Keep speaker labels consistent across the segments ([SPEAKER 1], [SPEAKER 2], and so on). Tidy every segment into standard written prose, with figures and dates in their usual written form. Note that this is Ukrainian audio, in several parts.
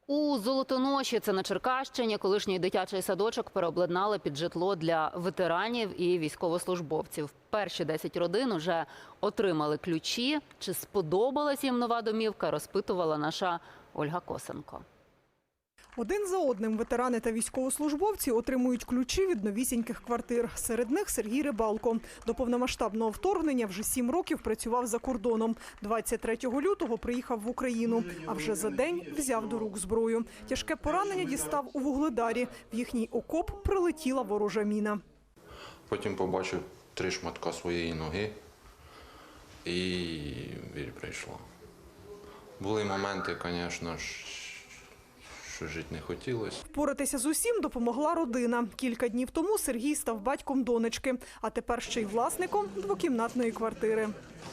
[SPEAKER 1] У Золотоноші, це на Черкащині, колишній дитячий садочок переобладнали під житло для ветеранів і військовослужбовців. Перші 10 родин уже отримали ключі. Чи сподобалась їм нова домівка, розпитувала наша Ольга Косенко.
[SPEAKER 2] Один за одним ветерани та військовослужбовці отримують ключі від новісіньких квартир. Серед них Сергій Рибалко. До повномасштабного вторгнення вже 7 років працював за кордоном. 23 лютого приїхав в Україну, а вже за день взяв до рук зброю. Тяжке поранення дістав у Вугледарі. В їхній окоп прилетіла ворожа міна.
[SPEAKER 3] Потім побачив 3 шматка своєї ноги і біль прийшла. Були моменти, звісно, що жити не хотілося.
[SPEAKER 2] Впоратися з усім допомогла родина. Кілька днів тому Сергій став батьком донечки, а тепер ще й власником двокімнатної квартири.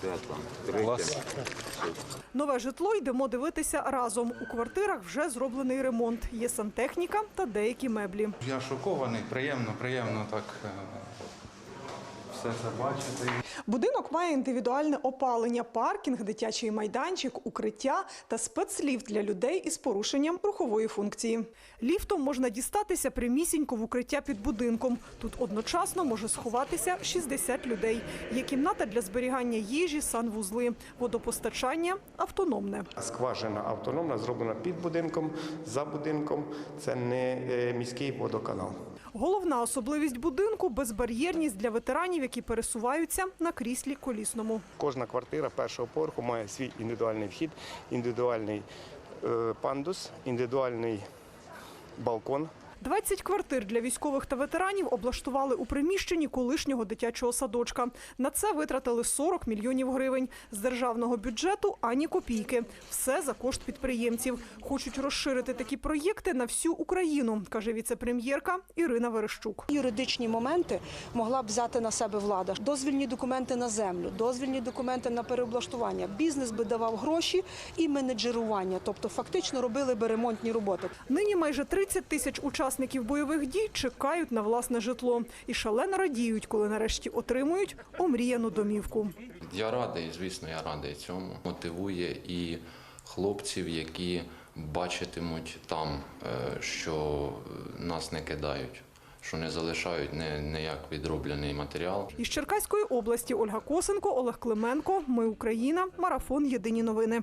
[SPEAKER 2] Нове житло йдемо дивитися разом. У квартирах вже зроблений ремонт. Є сантехніка та деякі меблі.
[SPEAKER 4] Я шокований, приємно так все це бачити.
[SPEAKER 2] Будинок має індивідуальне опалення, паркінг, дитячий майданчик, укриття та спецліфт для людей із порушенням рухової функції. Ліфтом можна дістатися прямісінько в укриття під будинком. Тут одночасно може сховатися 60 людей. Є кімната для зберігання їжі, санвузли. Водопостачання автономне.
[SPEAKER 5] Скважина автономна, зроблена під будинком, за будинком. Це не міський водоканал.
[SPEAKER 2] Головна особливість будинку – безбар'єрність для ветеранів, які пересуваються на кріслі колісному.
[SPEAKER 5] Кожна квартира першого поверху має свій індивідуальний вхід, індивідуальний пандус, індивідуальний балкон.
[SPEAKER 2] 20 квартир для військових та ветеранів облаштували у приміщенні колишнього дитячого садочка. На це витратили 40 мільйонів гривень. З державного бюджету ані копійки. Все за кошт підприємців. Хочуть розширити такі проєкти на всю Україну, каже віце-прем'єрка Ірина Верещук.
[SPEAKER 6] Юридичні моменти могла б взяти на себе влада. Дозвільні документи на землю, дозвільні документи на переоблаштування. Бізнес би давав гроші і менеджерування, тобто фактично робили би ремонтні роботи.
[SPEAKER 2] Нині майже 30 тисяч учасників бойових дій чекають на власне житло. І шалено радіють, коли нарешті отримують омріяну домівку.
[SPEAKER 3] Я радий, звісно, я радий цьому. Мотивує і хлопців, які бачитимуть там, що нас не кидають, що не залишають ніяк відроблений матеріал.
[SPEAKER 2] Із Черкаської області Ольга Косенко, Олег Клименко. Ми Україна. Марафон. Єдині новини.